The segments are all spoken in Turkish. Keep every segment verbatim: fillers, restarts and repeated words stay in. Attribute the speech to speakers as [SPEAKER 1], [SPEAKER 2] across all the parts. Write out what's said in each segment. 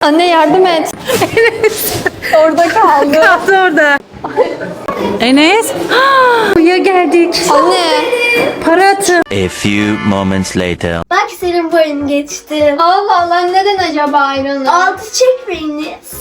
[SPEAKER 1] Anne yardım et. Orada kaldı.
[SPEAKER 2] Kaldı orada. Enes. Buraya geldik.
[SPEAKER 1] Anne.
[SPEAKER 2] Para atın.
[SPEAKER 3] A few moments later.
[SPEAKER 4] Bak senin boyun geçti.
[SPEAKER 1] Allah Allah neden acaba ayranı?
[SPEAKER 4] Altı çekmeyiniz.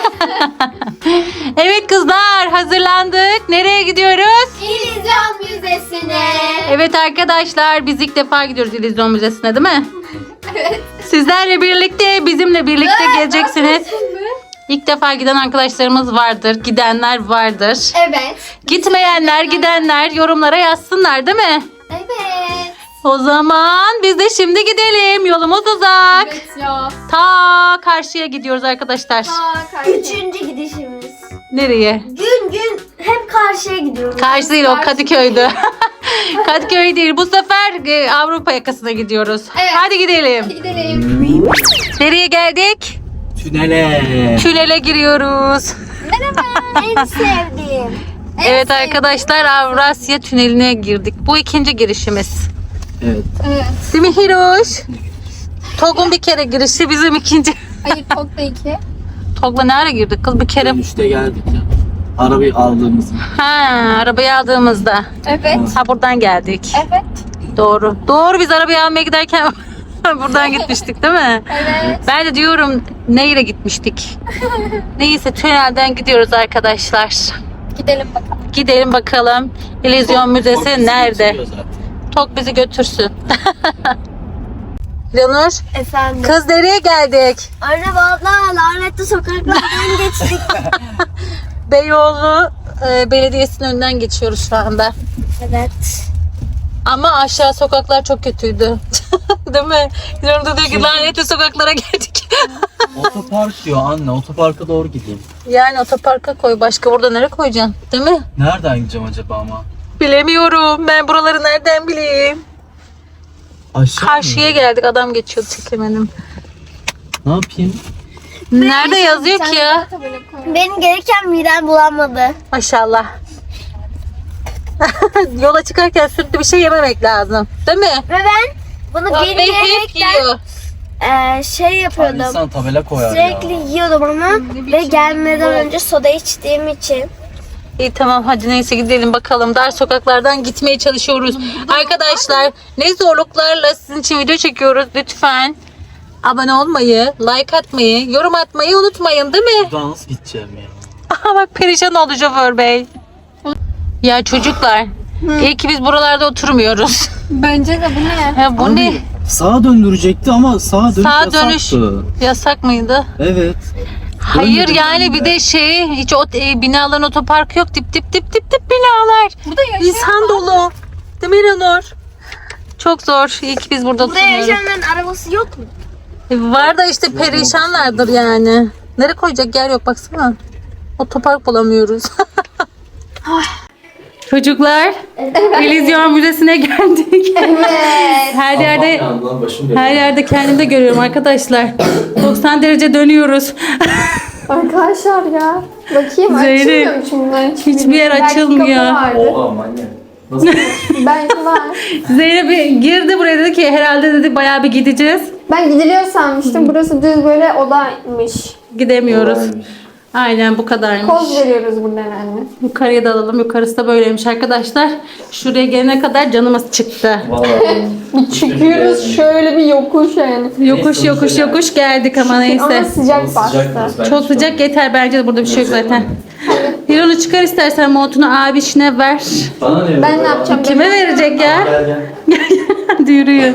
[SPEAKER 2] Evet kızlar, hazırlandık. Nereye gidiyoruz?
[SPEAKER 4] İllüzyon Müzesi'ne.
[SPEAKER 2] Evet arkadaşlar, biz ilk defa gidiyoruz İllüzyon Müzesi'ne, değil mi?
[SPEAKER 1] Evet.
[SPEAKER 2] Sizlerle birlikte, bizimle birlikte geleceksiniz. İlk defa giden arkadaşlarımız vardır, gidenler vardır.
[SPEAKER 4] Evet.
[SPEAKER 2] Gitmeyenler, gidenler yorumlara yazsınlar, değil mi?
[SPEAKER 4] Evet.
[SPEAKER 2] O zaman biz de şimdi gidelim. Yolumuz uzak.
[SPEAKER 1] Evet ya.
[SPEAKER 2] Ta karşıya gidiyoruz arkadaşlar.
[SPEAKER 1] Aa, karşı.
[SPEAKER 4] Üçüncü gidişimiz.
[SPEAKER 2] Nereye?
[SPEAKER 4] Gün gün hep karşıya gidiyoruz.
[SPEAKER 2] Karşı değil, o Kadıköy'dü. Kadıköy değil. Bu sefer e, Avrupa yakasına gidiyoruz.
[SPEAKER 1] Evet.
[SPEAKER 2] Hadi gidelim.
[SPEAKER 1] Gidelim.
[SPEAKER 2] Nereye geldik?
[SPEAKER 5] Tünele.
[SPEAKER 2] Tünele giriyoruz.
[SPEAKER 4] En sevdiğim.
[SPEAKER 2] Evet arkadaşlar, Avrasya Tüneli'ne girdik. Bu ikinci girişimiz.
[SPEAKER 5] Evet.
[SPEAKER 1] Evet.
[SPEAKER 2] Değil mi Hiroş? Tog'un bir kere girişi, bizim ikinci.
[SPEAKER 1] Hayır çok da iki.
[SPEAKER 2] Tog'la nereye girdik kız bir kere?
[SPEAKER 5] Üçte geldik ya. Arabayı aldığımız.
[SPEAKER 2] Ha, arabayı aldığımızda.
[SPEAKER 1] Evet.
[SPEAKER 2] Ha, buradan geldik.
[SPEAKER 1] Evet.
[SPEAKER 2] Doğru. Doğru, biz arabayı almaya giderken buradan gitmiştik değil mi?
[SPEAKER 1] Evet.
[SPEAKER 2] Ben de diyorum neyle gitmiştik? Neyse, tünelden gidiyoruz arkadaşlar.
[SPEAKER 1] Gidelim bakalım.
[SPEAKER 2] Gidelim bakalım. İllüzyon Müzesi
[SPEAKER 5] Bizi
[SPEAKER 2] nerede?
[SPEAKER 5] götürüyor zaten.
[SPEAKER 2] Tok bizi götürsün. Lanur,
[SPEAKER 4] Efendim.
[SPEAKER 2] kız nereye geldik?
[SPEAKER 4] Arabalar lanetli sokaklardan geçtik.
[SPEAKER 2] Beyoğlu e, Belediyesi'nin önünden geçiyoruz şu anda.
[SPEAKER 4] Evet.
[SPEAKER 2] Ama aşağı sokaklar çok kötüydü. Değil mi? Yorumda diyor ki lanetli sokaklara geldik.
[SPEAKER 5] Otopark diyor anne. Otoparka doğru gideyim.
[SPEAKER 2] Yani otoparka koy. Başka burada nereye koyacaksın? Değil mi?
[SPEAKER 5] Nereden gideceğim acaba ama?
[SPEAKER 2] Bilemiyorum. Ben buraları nereden bileyim?
[SPEAKER 5] Aşağı
[SPEAKER 2] Karşıya
[SPEAKER 5] mı?
[SPEAKER 2] geldik. Adam geçiyordu. Çekemedim.
[SPEAKER 5] Ne yapayım?
[SPEAKER 2] Nerede yazıyor ki ya?
[SPEAKER 4] Benim gereken midem bulanmadı.
[SPEAKER 2] Maşallah. Yola çıkarken sürekli bir şey yememek lazım. Değil mi?
[SPEAKER 4] Ve ben bunu
[SPEAKER 2] Bak, hep
[SPEAKER 4] bilmeyerekten
[SPEAKER 2] yiyor.
[SPEAKER 4] eee, şey
[SPEAKER 5] Abi
[SPEAKER 4] yapıyordum.
[SPEAKER 5] insan tabela koyar
[SPEAKER 4] Sürekli
[SPEAKER 5] ya.
[SPEAKER 4] yiyordum ama ve gelmeden önce soda içtiğim için.
[SPEAKER 2] İyi tamam, hadi neyse gidelim bakalım. Dar sokaklardan gitmeye çalışıyoruz. Arkadaşlar, ne zorluklarla sizin için video çekiyoruz. Lütfen abone olmayı, like atmayı, yorum atmayı unutmayın, değil mi?
[SPEAKER 5] Buradan nasıl gideceğim ya?
[SPEAKER 2] Aha bak, perişan oldu şoför bey. Ya çocuklar, iyi ki biz buralarda oturmuyoruz.
[SPEAKER 1] Bence de bu ne?
[SPEAKER 2] Ya bu ne?
[SPEAKER 5] Abi, sağa döndürecekti ama sağa dönüş
[SPEAKER 2] Sağa
[SPEAKER 5] yasaktı.
[SPEAKER 2] dönüş yasak mıydı?
[SPEAKER 5] Evet.
[SPEAKER 2] Hayır
[SPEAKER 5] Dönmedim
[SPEAKER 2] yani
[SPEAKER 5] ben
[SPEAKER 2] bir
[SPEAKER 5] de.
[SPEAKER 2] de şey, hiç o e, binaların otoparkı yok. Tip tip tip tip tip binalar.
[SPEAKER 1] Burada yaşıyor.
[SPEAKER 2] İnsan dolu. Değil mi İranur? Çok zor. İyi ki biz burada
[SPEAKER 4] Burada
[SPEAKER 2] oturuyoruz.
[SPEAKER 4] yaşayanların arabası yok mu?
[SPEAKER 2] E, Var da işte perişanlardır yani. Nereye koyacak yer yok, baksana. Otopark bulamıyoruz. Çocuklar, İllüzyon Müzesi'ne geldik.
[SPEAKER 1] Evet.
[SPEAKER 2] Her yerde
[SPEAKER 5] Allah'ım başım dönüyor.
[SPEAKER 2] her yerde kendimde görüyorum arkadaşlar. doksan derece dönüyoruz.
[SPEAKER 1] Arkadaşlar ya. Bakayım
[SPEAKER 2] Zeynep,
[SPEAKER 1] açılmıyor mu şimdi bunların hiçbiri?
[SPEAKER 2] hiçbir yer
[SPEAKER 1] Belki
[SPEAKER 2] açılmıyor.
[SPEAKER 1] kapı vardır.
[SPEAKER 5] Oha manyak. Nasıl?
[SPEAKER 1] Belki var.
[SPEAKER 2] Zeynep girdi buraya, dedi ki herhalde dedi bayağı bir gideceğiz.
[SPEAKER 1] Ben gidiliyor sanmıştım. Burası düz böyle odaymış.
[SPEAKER 2] Gidemiyoruz.
[SPEAKER 5] Olaymış.
[SPEAKER 2] Aynen bu kadarmış.
[SPEAKER 1] Koz veriyoruz burada herhalde.
[SPEAKER 2] Yukarıya da alalım. Yukarısı da böyleymiş arkadaşlar. Şuraya gelene kadar canımız çıktı.
[SPEAKER 5] Vallahi.
[SPEAKER 1] Bir çıkıyoruz şöyle bir yokuş yani.
[SPEAKER 2] Yokuş
[SPEAKER 5] Neyse,
[SPEAKER 2] yokuş
[SPEAKER 5] güzel.
[SPEAKER 2] yokuş geldik ama
[SPEAKER 1] Ama
[SPEAKER 2] neyse.
[SPEAKER 1] sıcak bastı.
[SPEAKER 2] Çok sıcak, yeter bence de, burada bir şey yok zaten. Bir onu çıkar istersen, montunu abişine ver.
[SPEAKER 5] Bana ne?
[SPEAKER 1] Ben ne yapacağım?
[SPEAKER 2] Kime verecek ya?
[SPEAKER 5] Gel gel.
[SPEAKER 2] Hadi yürüyün.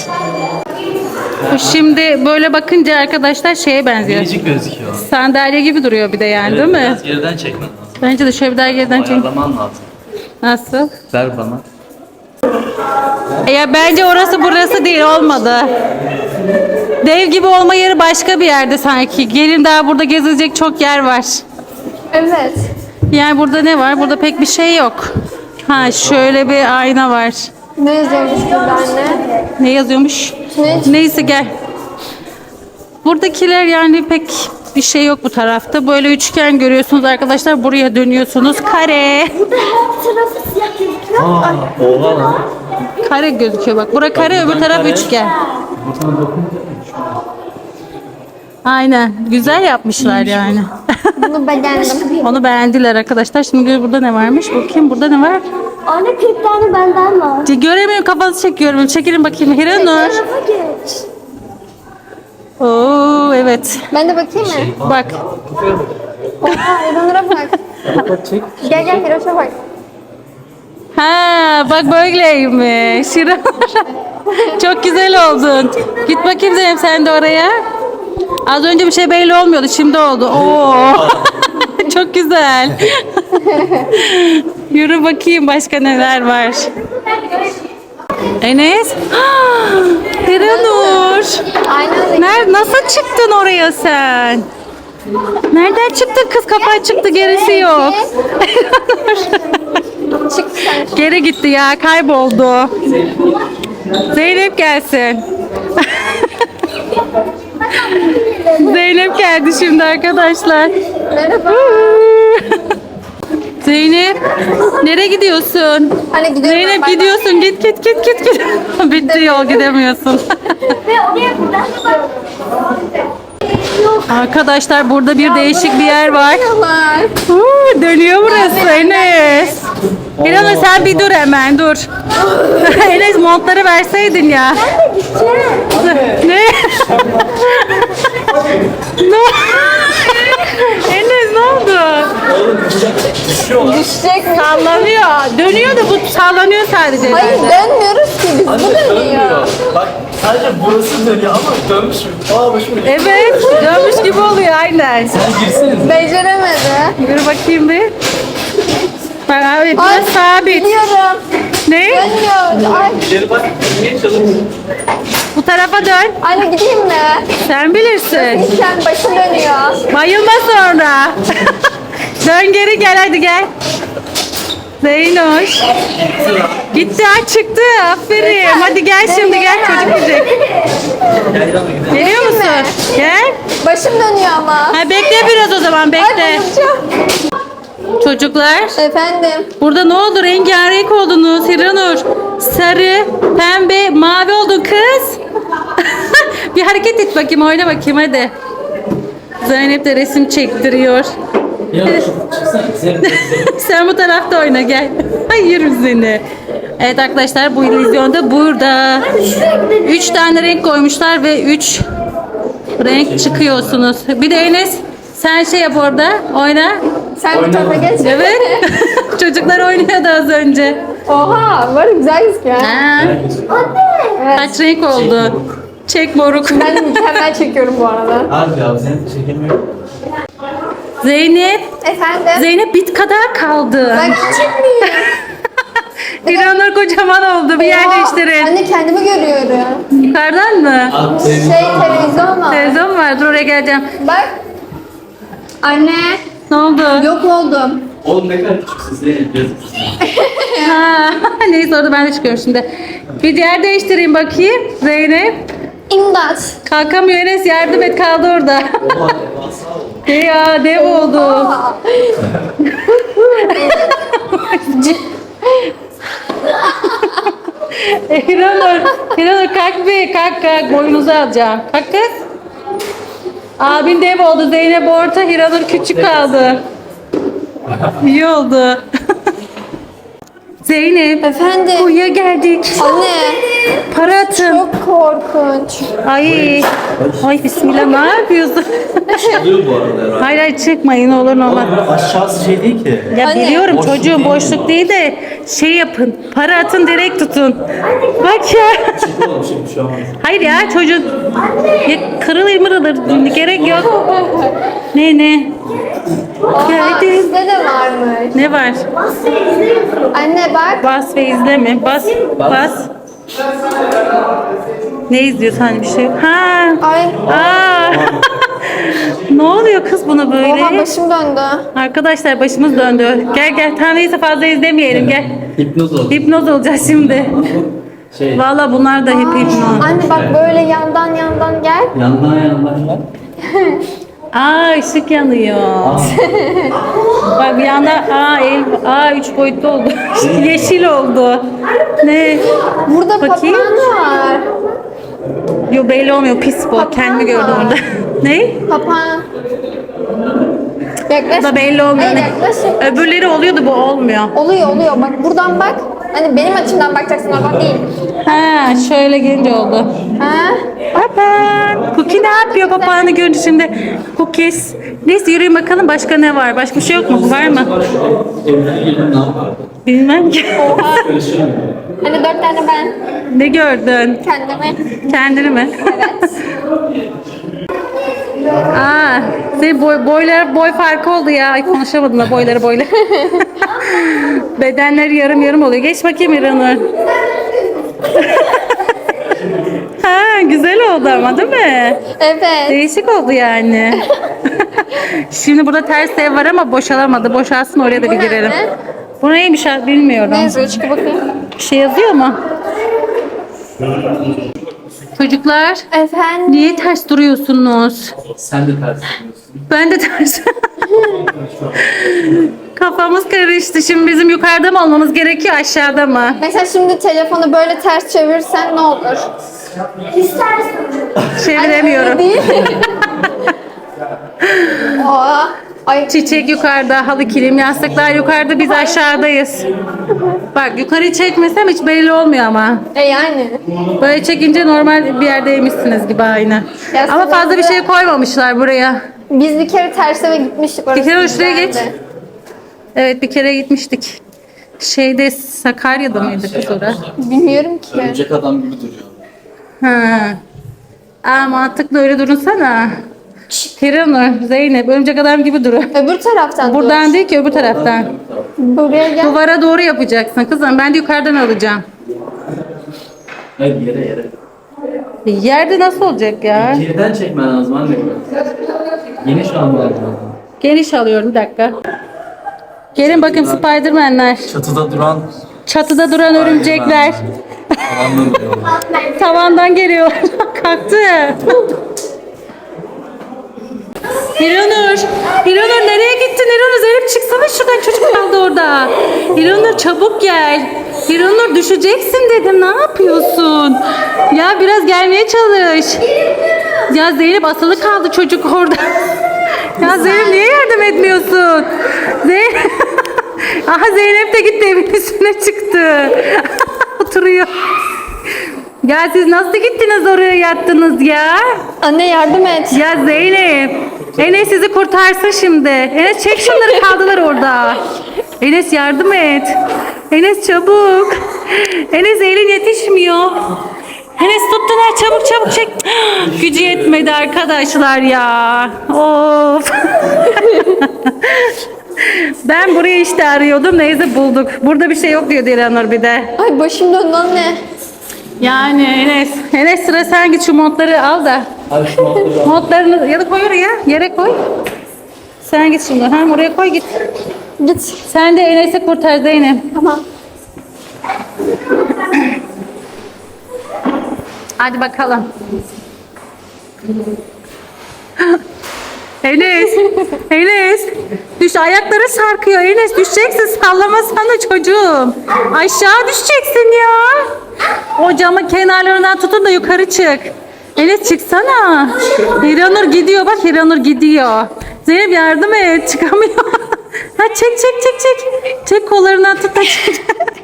[SPEAKER 2] Bu şimdi böyle bakınca arkadaşlar şeye benziyor.
[SPEAKER 5] Minicik gözüküyor.
[SPEAKER 2] Sandalye gibi duruyor bir de yani, değil mi?
[SPEAKER 5] Biraz geriden çekmen lazım.
[SPEAKER 2] Bence de şöyle bir daha geriden çek.
[SPEAKER 5] Ayarlaman lazım.
[SPEAKER 2] Nasıl?
[SPEAKER 5] Ver bana.
[SPEAKER 2] E Ya bence orası burası değil, olmadı. Dev gibi olma yeri başka bir yerde sanki. Gelin, daha burada gezilecek çok yer var.
[SPEAKER 1] Evet.
[SPEAKER 2] Yani burada ne var? Burada pek bir şey yok. Ha, şöyle bir ayna var.
[SPEAKER 1] Ne yazıyormuş burada anne?
[SPEAKER 2] Ne yazıyormuş?
[SPEAKER 1] Ne?
[SPEAKER 2] Neyse gel. Buradakiler yani pek bir şey yok bu tarafta. Böyle üçgen görüyorsunuz arkadaşlar. Buraya dönüyorsunuz. Kare.
[SPEAKER 4] Burada her tarafı siyah gözüküyor.
[SPEAKER 5] Aa, oha lan.
[SPEAKER 2] Kare gözüküyor bak. Bura kare, öbür taraf
[SPEAKER 5] kare.
[SPEAKER 2] üçgen.
[SPEAKER 5] Buradan dokun.
[SPEAKER 2] Aynen. Güzel yapmışlar yani.
[SPEAKER 1] Bunu beğendim.
[SPEAKER 2] Onu beğendiler arkadaşlar. Şimdi burada ne varmış? Bakayım burada ne var?
[SPEAKER 4] Anne kırk tane benden var.
[SPEAKER 2] Göremiyorum, kafanızı çekiyorum. Çekilin bakayım. Hiranur.
[SPEAKER 4] Tarafa geç.
[SPEAKER 2] Oo evet.
[SPEAKER 1] Ben de bakayım mı?
[SPEAKER 2] Bak.
[SPEAKER 1] Oha Eranur'a bak.
[SPEAKER 5] Çek.
[SPEAKER 1] Gel gel Hiroş'a bak.
[SPEAKER 2] Ha bak böyleymiş. Hiranur. Çok güzel oldun. Git bakayım Zeynep sen de oraya. Az önce bir şey belli olmuyordu. Şimdi oldu. Oo. Çok güzel. Yürü bakayım başka neler var. Enes. Hiranur.
[SPEAKER 1] Aynen.
[SPEAKER 2] Nerede, nasıl çıktın oraya sen? Nereden çıktın kız? Kafan çıktı, gerisi yok.
[SPEAKER 1] Çık sen.
[SPEAKER 2] Geri gitti ya, kayboldu. Zeynep gelsin. Zeynep geldi şimdi arkadaşlar.
[SPEAKER 1] Merhaba.
[SPEAKER 2] Zeynep, nereye gidiyorsun?
[SPEAKER 1] Hani gidiyorum.
[SPEAKER 2] Zeynep
[SPEAKER 1] bay bay.
[SPEAKER 2] gidiyorsun, git git git git git. Bitti yol, gidemiyorsun.
[SPEAKER 4] Ve oraya buradan
[SPEAKER 2] Arkadaşlar burada bir değişik bir yer var.
[SPEAKER 1] Merhabalar.
[SPEAKER 2] Huu, dönüyor burası Enes. İranur sen bir dur hemen dur. Enes montları verseydin ya. Ne? ne? Enes ne oldu?
[SPEAKER 1] Düşecek mi?
[SPEAKER 2] Sallanıyor. Dönüyor da bu sallanıyor sadece.
[SPEAKER 1] Hayır
[SPEAKER 2] herhalde.
[SPEAKER 1] dönmüyoruz ki biz. Bu dönüyor.
[SPEAKER 5] Bak sadece burası dönüyor ama dönmüş mü? Aa başım.
[SPEAKER 2] Evet dönmüş gibi oluyor aynen.
[SPEAKER 5] Sen girsene.
[SPEAKER 1] Beceremedi.
[SPEAKER 2] Yürü bakayım bir. Bak abi burası
[SPEAKER 1] Ay,
[SPEAKER 2] sabit.
[SPEAKER 1] Biliyorum.
[SPEAKER 2] Ne?
[SPEAKER 1] Dönmüyor. Ay,
[SPEAKER 5] Geri bak. Niye çalış?
[SPEAKER 2] Bu tarafa dön.
[SPEAKER 1] anne gideyim mi?
[SPEAKER 2] Sen bilirsin.
[SPEAKER 1] Gideceğim başım dönüyor.
[SPEAKER 2] Bayılma sonra. Dön geri gel hadi gel. Zeynoş. Gitti ha çıktı. Aferin. Hadi gel şimdi gel çocuk gidecek. Geliyor musun? Gel.
[SPEAKER 1] Başım dönüyor ama.
[SPEAKER 2] Ha, bekle biraz o zaman
[SPEAKER 1] Ay
[SPEAKER 2] bekle.
[SPEAKER 1] bayılacağım.
[SPEAKER 2] Çocuklar
[SPEAKER 1] Efendim.
[SPEAKER 2] burada ne oldu? Rengarenk oldunuz. Hiranur. Sarı, pembe, mavi oldun kız. Bir hareket et bakayım, oyna bakayım hadi. Zeynep de resim çektiriyor.
[SPEAKER 5] Ya çıksana. Sen
[SPEAKER 2] Sen bu tarafta oyna gel. Hayır seni. Evet arkadaşlar bu illüzyonda burada. Üç tane renk koymuşlar ve üç renk çıkıyorsunuz. Bir de Enes sen şey yap orada oyna.
[SPEAKER 1] Sen bu tarafa geç.
[SPEAKER 2] Evet. Çocuklar oynuyordu az önce.
[SPEAKER 1] Oha var güzel gözüküyor.
[SPEAKER 2] Ha. Kaç renk oldu? Çek moruk.
[SPEAKER 1] Ben mükemmel çekiyorum bu arada.
[SPEAKER 5] Abi abi sen çekemiyorum.
[SPEAKER 2] Zeynep.
[SPEAKER 1] Efendim.
[SPEAKER 2] Zeynep bit kadar kaldı.
[SPEAKER 1] Ben küçük müyüm?
[SPEAKER 2] İranlar kocaman oldu. Bir yer
[SPEAKER 1] Oha,
[SPEAKER 2] değiştirin.
[SPEAKER 1] Anne kendimi görüyorum.
[SPEAKER 2] Yukarıdan mı?
[SPEAKER 5] Abi
[SPEAKER 1] Şey televizyon mu?
[SPEAKER 2] Televizyon var. Dur oraya geleceğim.
[SPEAKER 1] Bak. Anne.
[SPEAKER 2] Ne oldu?
[SPEAKER 1] Yok oldum.
[SPEAKER 5] Oğlum ne kadar küçüksün Zeynep yazık.
[SPEAKER 2] Ha, neyse orada ben de çıkıyorum şimdi. Bir yer değiştireyim bakayım. Zeynep.
[SPEAKER 1] İmdat.
[SPEAKER 2] Kalkamıyor Enes, yardım et, kaldı orada.
[SPEAKER 5] Oha devasa oldu.
[SPEAKER 2] Ne ya, dev oldu.
[SPEAKER 1] Aa.
[SPEAKER 2] Hiranur, Hiranur kalk bir, kalk kalk, boynunuzu alacağım. Kalk kız. Abin dev oldu, Zeynep orta, Hiranur küçük kaldı. İyi oldu. Zeynep,
[SPEAKER 1] Efendim.
[SPEAKER 2] kuyuya geldik.
[SPEAKER 1] Anne.
[SPEAKER 2] Para atın.
[SPEAKER 1] Çok korkunç.
[SPEAKER 2] Ay, ay bismillah, ne yapıyorsun?
[SPEAKER 5] Oluyor bu arada herhalde.
[SPEAKER 2] Hayır hayır çıkmayın, ne olur ne olmaz.
[SPEAKER 5] Oğlum aşağısı şey değil ki.
[SPEAKER 2] Ya
[SPEAKER 1] Anne.
[SPEAKER 2] biliyorum
[SPEAKER 5] Boşluk
[SPEAKER 2] çocuğun
[SPEAKER 5] değil
[SPEAKER 2] boşluk
[SPEAKER 5] mi?
[SPEAKER 2] değil de şey yapın, para atın, direkt tutun. Bak ya.
[SPEAKER 5] Çık oğlum şimdi şu an.
[SPEAKER 2] Hayır ya çocuk ya kırılır mırılır, gerek yok. Ne ne?
[SPEAKER 1] Oha
[SPEAKER 2] Geldim.
[SPEAKER 1] bizde de varmış.
[SPEAKER 2] Ne var?
[SPEAKER 1] Anne bak.
[SPEAKER 2] Bas ve izle mi? Bas, bas. Ne izliyorsun hani bir şey? Ha.
[SPEAKER 1] Ay.
[SPEAKER 2] Aa. Ne oluyor kız buna böyle?
[SPEAKER 1] Oha başım döndü.
[SPEAKER 2] Arkadaşlar başımız döndü. Gel gel, tam neyse fazla izlemeyelim gel.
[SPEAKER 5] Hipnoz oldu.
[SPEAKER 2] Hipnoz olacağız şimdi.
[SPEAKER 5] Şey.
[SPEAKER 2] Valla bunlar da hep hipnoz.
[SPEAKER 1] Anne bak böyle yandan yandan gel.
[SPEAKER 5] Yandan yandan gel.
[SPEAKER 2] Aa ışık yanıyor. Bak bir yanda aa el aa üç boyutlu oldu. Yeşil oldu. Ne?
[SPEAKER 1] Burada
[SPEAKER 2] Bakayım.
[SPEAKER 1] papağan var.
[SPEAKER 2] Yo belli olmuyor, pis bu. Kendimi gördüm orada. Ne?
[SPEAKER 1] Papağan. Yaklaş.
[SPEAKER 2] Bu da belli olmuyor.
[SPEAKER 1] Hayır, yaklaş.
[SPEAKER 2] Öbürleri oluyordu, bu olmuyor.
[SPEAKER 1] Oluyor oluyor. Bak buradan bak. Hani benim açımdan bakacaksın oradan değil.
[SPEAKER 2] Ha, şöyle gelince oldu.
[SPEAKER 1] Ha?
[SPEAKER 2] Papağan. Cookie ne yapıyor papağanı görünce şimdi? Cookies. Neyse yürüyün bakalım başka ne var? Başka bir şey yok mu? Var mı? Bilmem ki.
[SPEAKER 1] Oha. Hani dört tane ben
[SPEAKER 2] Ne gördün?
[SPEAKER 1] kendime.
[SPEAKER 2] Kendini mi?
[SPEAKER 1] Evet.
[SPEAKER 2] Aa, senin boy, boylar boy farkı oldu ya. Ay konuşamadım da boyları boyları. Bedenleri yarım yarım oluyor. Geç bakayım İranur. Ha, güzel oldu ama değil mi?
[SPEAKER 1] Evet.
[SPEAKER 2] Değişik oldu yani. Şimdi burada ters ev var ama boşalamadı. Boşalsın oraya da bir
[SPEAKER 1] Bu
[SPEAKER 2] girelim.
[SPEAKER 1] ne?
[SPEAKER 2] Bu neymiş ha, bilmiyorum.
[SPEAKER 1] Ne yazıyor? Çıkı bakayım.
[SPEAKER 2] Bir şey yazıyor mu? Çocuklar
[SPEAKER 1] Efendim.
[SPEAKER 2] niye ters duruyorsunuz?
[SPEAKER 5] Sen de ters yapıyorsun.
[SPEAKER 2] Ben de ters. Kafamız karıştı. Şimdi bizim yukarıda mı olmamız gerekiyor, aşağıda mı?
[SPEAKER 1] Mesela şimdi telefonu böyle ters çevirsen ne olur?
[SPEAKER 2] Çeviremiyorum.
[SPEAKER 1] Değil. Aa, ay
[SPEAKER 2] Çiçek yukarıda, halı, kilim, yastıklar yukarıda, biz aşağıdayız. Bak yukarı çekmesem hiç belli olmuyor ama.
[SPEAKER 1] e yani.
[SPEAKER 2] Böyle çekince normal bir yerdeymişsiniz gibi aynı.
[SPEAKER 1] Yastık
[SPEAKER 2] Ama fazla bir
[SPEAKER 1] orada-
[SPEAKER 2] şey koymamışlar buraya.
[SPEAKER 1] Biz bir kere ters eve gitmiştik. Orası
[SPEAKER 2] Bir kere şuraya
[SPEAKER 1] güzeldi.
[SPEAKER 2] geç. Evet bir kere gitmiştik. Şeyde Sakarya'da mıydı kız orası?
[SPEAKER 1] Bilmiyorum ki.
[SPEAKER 5] Örümcek adam gibi duruyor.
[SPEAKER 2] Ha. Aa, mantıklı öyle durunsana. Hiranur, Zeynep, örümcek adam gibi durun.
[SPEAKER 1] Öbür taraftan
[SPEAKER 2] Buradan
[SPEAKER 1] dur.
[SPEAKER 2] değil ki öbür taraftan.
[SPEAKER 1] Buraya gel.
[SPEAKER 2] Duvara doğru yapacaksın kızım. Ben de yukarıdan alacağım.
[SPEAKER 5] Hayır yere yere.
[SPEAKER 2] Yerde nasıl olacak ya?
[SPEAKER 5] Geriden çekmen lazım anne. Geniş alman lazım.
[SPEAKER 2] Geniş alıyorum bir dakika. Gelin bakın Spiderman'ler.
[SPEAKER 5] Çatıda duran
[SPEAKER 2] Çatıda duran örümcekler.
[SPEAKER 5] adamlar duruyor.
[SPEAKER 2] Tavandan geliyor. Kalktı. Hiranur. Hiranur nereye gittin Hiranur? Zeynep çıksana şuradan, çocuk kaldı orada. Hiranur çabuk gel. Hiranur düşeceksin dedim. Ne yapıyorsun? Ya biraz gelmeye çalış. Ya Zeynep asılı kaldı çocuk orada. Ya Zeynep niye yardım etmiyorsun? Zeynep. Aha Zeynep de gitti, evin üstüne çıktı. Oturuyor. Ya siz nasıl gittiniz oraya, yattınız ya?
[SPEAKER 1] Anne yardım et.
[SPEAKER 2] Ya Zeynep. Enes sizi kurtarsın şimdi. Enes çek şunları, kaldılar orada. Enes yardım et. Enes çabuk. Enes elin yetişmiyor. Enes tuttular, çabuk çabuk çek. Gücü yetmedi arkadaşlar ya. Of. Ben burayı işte arıyordum. Neyse bulduk. Burada bir şey yok diyor Dilanur bir de.
[SPEAKER 1] Ay başım döndü anne.
[SPEAKER 2] Yani Enes. Enes sıra sen git şu montları al da.
[SPEAKER 5] Hadi şu montları al.
[SPEAKER 2] Montlarını ya da koy oraya. Yere koy. Sen git şimdi. Hem oraya koy git.
[SPEAKER 1] Git.
[SPEAKER 2] Sen de Enes'i kurtar Zeynep.
[SPEAKER 1] Tamam.
[SPEAKER 2] Hadi bakalım. Enes. Enes. Düş, ayakları sarkıyor. Enes düşeceksin. Sallamasana çocuğum. Aşağı düşeceksin ya. O camın kenarlarından tutun da yukarı çık. Enes çıksana. Hiranur gidiyor. Bak Hiranur gidiyor. Zeynep yardım et. Çıkamıyor. Ha, çek çek çek çek. Çek kollarından tut da çek.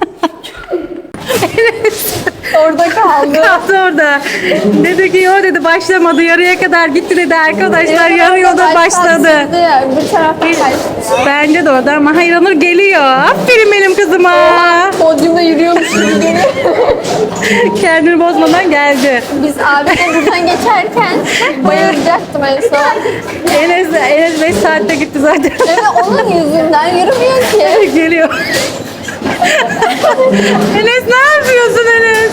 [SPEAKER 1] Orada kaldı.
[SPEAKER 2] Kaldı orada. Dedi ki o dedi başlamadı, yarıya kadar gitti dedi arkadaşlar, yarı yolda başladı.
[SPEAKER 1] Bir taraftan kaçtı.
[SPEAKER 2] Bence de orada ama Hayranur geliyor. Aferin benim kızıma.
[SPEAKER 1] Podyumda yürüyormuş gibi geliyor.
[SPEAKER 2] Kendini bozmadan geldi.
[SPEAKER 1] Biz abiyle buradan geçerken bayılacaktım en son.
[SPEAKER 2] Enes, Enes beş saatte gitti zaten.
[SPEAKER 1] Evet onun yüzünden yürümüyor ki.
[SPEAKER 2] Geliyor. Enes ne yapıyorsun Enes?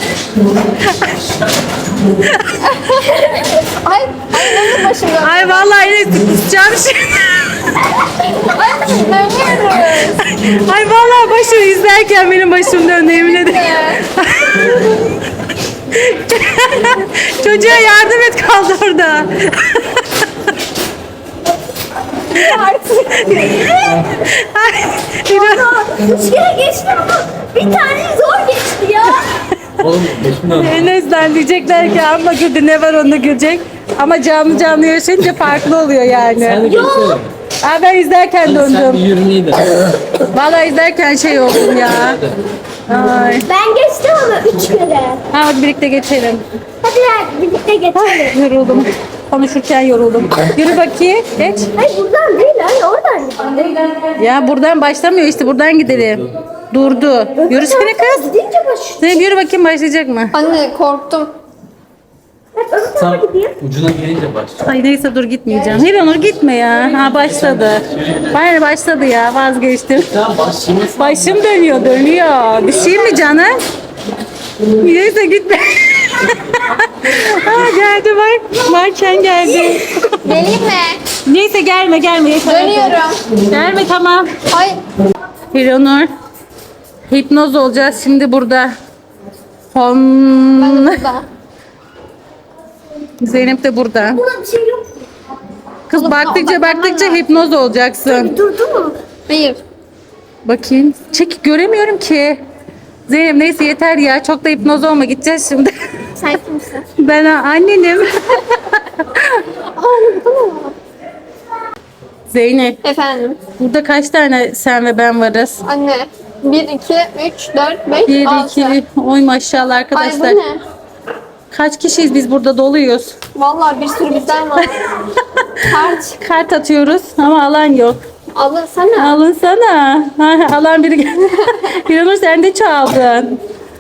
[SPEAKER 1] Ay, ay benim başım döndü.
[SPEAKER 2] Ay vallahi Enes tutacağım şimdi.
[SPEAKER 1] Ay dönüyoruz.
[SPEAKER 2] Ay vallahi başını izlerken benim başım döndü yemin ederim. Çocuğa yardım et, kaldı orada.
[SPEAKER 1] Artık.
[SPEAKER 2] Ay, İran-
[SPEAKER 4] Üç kere geçti ama bir tane zor geçti ya.
[SPEAKER 5] Oğlum başım döndü.
[SPEAKER 2] Enes'den diyecekler ki amma güldü, ne var onda gülecek. Ama canlı canlı yaşayınca farklı oluyor yani.
[SPEAKER 5] Sen de geçsene.
[SPEAKER 2] Aa, ben izlerken
[SPEAKER 5] Sen bir
[SPEAKER 2] döndüm.
[SPEAKER 5] yürümeyi de.
[SPEAKER 2] Vallahi izlerken şey oldum ya. Ay.
[SPEAKER 4] Ben geçtim ama üç kere.
[SPEAKER 2] Ha, hadi birlikte geçelim.
[SPEAKER 4] Hadi ya, birlikte geçelim.
[SPEAKER 2] Yoruldum. Konuşurken yoruldum. Yürü bakayım. Geç.
[SPEAKER 4] Hayır buradan değil hayır oradan.
[SPEAKER 2] Ya buradan başlamıyor işte. Buradan gidelim. Durdu. Yürüsene kız.
[SPEAKER 4] Gidince baş.
[SPEAKER 2] Zeynep yürü bakayım, başlayacak mı?
[SPEAKER 1] Anne korktum.
[SPEAKER 4] Hep öbür
[SPEAKER 5] Tam
[SPEAKER 4] tarafa gideyim.
[SPEAKER 5] ucuna gelince baş.
[SPEAKER 2] Ay neyse dur gitmeyeceğim. Hiranur gitme ya. Ha başladı. Hayır başladı ya, vazgeçtim.
[SPEAKER 5] Tamam başlaması.
[SPEAKER 2] Başım dönüyor dönüyor. Düşeyim mi canım? Neyse gitme. Ha geldi bak. Marken geldi.
[SPEAKER 1] Geleyim mi?
[SPEAKER 2] Neyse gelme gelme. Yeter.
[SPEAKER 1] Dönüyorum.
[SPEAKER 2] Gelme tamam.
[SPEAKER 1] Ay
[SPEAKER 2] Hiranur. Hipnoz olacağız şimdi burada. Hom.
[SPEAKER 1] ben de burada.
[SPEAKER 2] Zeynep de burada.
[SPEAKER 4] Burada bir şey yok.
[SPEAKER 2] Kız baktıkça baktıkça hipnoz olacaksın.
[SPEAKER 4] Durdu mu?
[SPEAKER 1] Hayır.
[SPEAKER 2] Bakayım. Çek göremiyorum ki. Zeynep neyse yeter ya. Çok da hipnoz olma. Gideceğiz şimdi.
[SPEAKER 1] Sen kimsin?
[SPEAKER 2] Ben annenim. Zeynep.
[SPEAKER 1] Efendim.
[SPEAKER 2] Burada kaç tane sen ve ben varız?
[SPEAKER 1] Anne. bir, iki, üç, dört, beş,
[SPEAKER 2] Bir,
[SPEAKER 1] altı.
[SPEAKER 2] iki. Oy maşallah
[SPEAKER 1] Ay bu
[SPEAKER 2] arkadaşlar.
[SPEAKER 1] ne?
[SPEAKER 2] Kaç kişiyiz biz burada, doluyuz.
[SPEAKER 1] Vallahi bir sürü bizden var. Kart.
[SPEAKER 2] Kart atıyoruz ama alan yok.
[SPEAKER 1] Alınsana.
[SPEAKER 2] Alınsana. Ha, alan biri geldi. Hiranur sen de çaldın.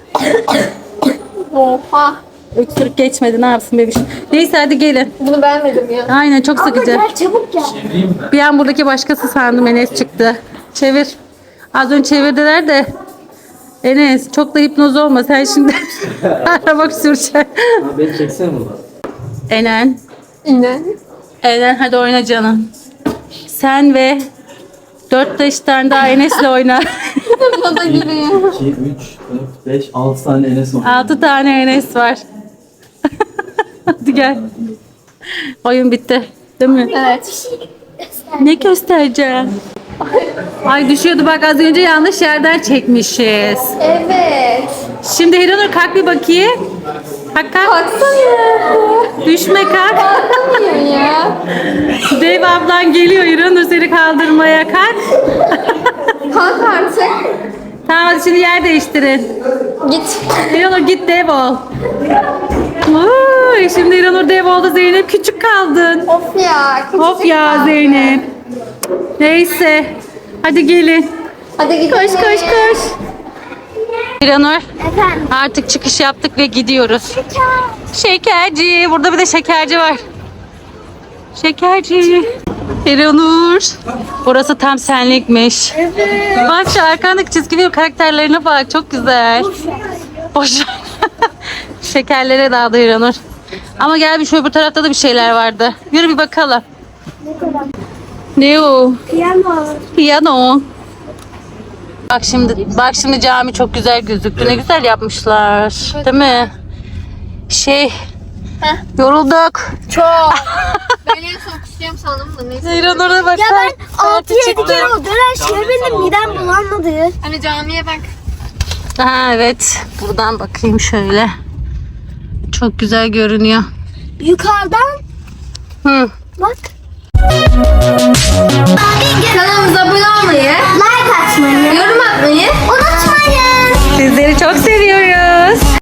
[SPEAKER 1] Oha.
[SPEAKER 2] Öksürük geçmedi, ne yapsın bebiş. Neyse hadi gelin.
[SPEAKER 1] Bunu beğenmedim ya.
[SPEAKER 2] Aynen çok
[SPEAKER 4] Abla
[SPEAKER 2] sıkıcı.
[SPEAKER 4] gel çabuk gel.
[SPEAKER 5] Çevireyim ben.
[SPEAKER 2] Bir an buradaki başkası sandım, Enes çıktı. Çevir. Az önce çevirdiler de. Enes çok da hipnoz olma sen şimdi. Bak süreceksin.
[SPEAKER 5] Ha, beni çeksene buradan.
[SPEAKER 2] Enen.
[SPEAKER 1] Yine.
[SPEAKER 2] Enen hadi oyna canım. Sen ve dört beş tane daha Enes'le oyna.
[SPEAKER 1] Buna da giriyor.
[SPEAKER 5] iki, üç, dört, beş, altı tane Enes var.
[SPEAKER 2] altı tane Enes var. Hadi gel. Oyun bitti. Değil mi?
[SPEAKER 1] Evet.
[SPEAKER 2] Ne göstereceğim? Ay düşüyordu bak, az önce yanlış yerden çekmişiz.
[SPEAKER 1] Evet.
[SPEAKER 2] Şimdi Hiranur kalk bir bakayım. Kalk kalk.
[SPEAKER 1] Baksana.
[SPEAKER 2] Düşme kalk.
[SPEAKER 1] Kalkamıyor ya.
[SPEAKER 2] Dev ablan geliyor Hiranur seni kaldırmaya, kalk.
[SPEAKER 1] Kalk artık.
[SPEAKER 2] Tamam hadi şimdi yer değiştirin.
[SPEAKER 1] Git.
[SPEAKER 2] Hiranur git dev ol. Oy, şimdi Hiranur dev oldu, Zeynep küçük kaldın.
[SPEAKER 1] Of ya.
[SPEAKER 2] Of ya
[SPEAKER 1] kaldı.
[SPEAKER 2] Zeynep. Neyse. Hadi gelin.
[SPEAKER 1] Hadi gidelim.
[SPEAKER 2] Koş koş koş. Hiranur
[SPEAKER 4] Efendim.
[SPEAKER 2] artık çıkış yaptık ve gidiyoruz. Şekerci. Burada bir de şekerci var. Şekerci. Hiranur. Burası tam senlikmiş.
[SPEAKER 4] Evet.
[SPEAKER 2] Bak şu arkandaki çizgili karakterlerine bak. Çok güzel. Boş. Şekerlere dağıldı Hiranur. Ama gel bir şu öbür tarafta da bir şeyler vardı. Yürü bir bakalım. Ne o?
[SPEAKER 4] Piyano.
[SPEAKER 2] Piyano. Bak şimdi, bak şimdi cami çok güzel gözüktü. Ne güzel yapmışlar. Değil mi? Şey,
[SPEAKER 1] Heh.
[SPEAKER 2] yorulduk.
[SPEAKER 1] Çok. Ben en son kusacağım sandım da neyse.
[SPEAKER 2] Hiranur'a bak.
[SPEAKER 4] Ya ben
[SPEAKER 2] Saati
[SPEAKER 4] altı yedi
[SPEAKER 2] çıktı.
[SPEAKER 4] kere o dönen şey benim midem bulanmadı.
[SPEAKER 1] Hani camiye bak.
[SPEAKER 2] Ha evet. Buradan bakayım şöyle. Çok güzel görünüyor.
[SPEAKER 4] Yukarıdan
[SPEAKER 2] Hı.
[SPEAKER 4] bak.
[SPEAKER 1] Kanalımıza abone olmayı,
[SPEAKER 4] Like atmayı
[SPEAKER 1] yorum atmayı
[SPEAKER 4] unutmayın.
[SPEAKER 2] Sizleri çok seviyoruz.